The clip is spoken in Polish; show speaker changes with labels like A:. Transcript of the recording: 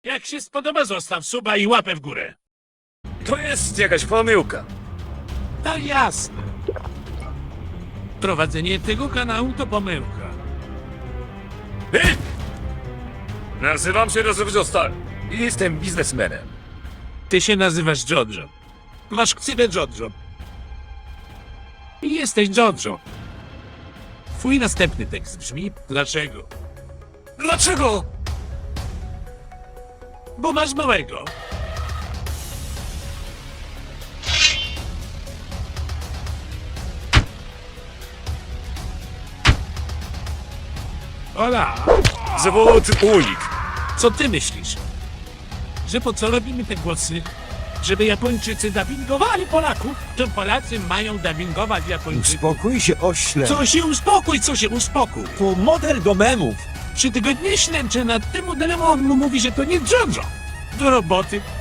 A: Jak się spodoba, zostaw suba i łapę w górę.
B: To jest jakaś pomyłka.
A: Tak jasne. Prowadzenie tego kanału to pomyłka.
B: Hej! Nazywam się Rozrywcio Star i jestem biznesmenem.
A: Ty się nazywasz Jojo. Masz ksywę Jojo. I jesteś Jojo. Twój następny tekst brzmi: dlaczego?
B: Dlaczego?
A: Bo masz małego. Ola,
B: Zawód unik.
A: co ty myślisz? Że po co robimy te głosy? Żeby Japończycy dubbingowali Polaków? To Polacy mają dubbingować Japończyków.
C: Uspokój się, ośle.
A: Co się uspokój?
C: To model do memów.
A: 3 tygodnie ślęczę nad tym modelem, a on mu mówi, że to nie Jojo. Do roboty.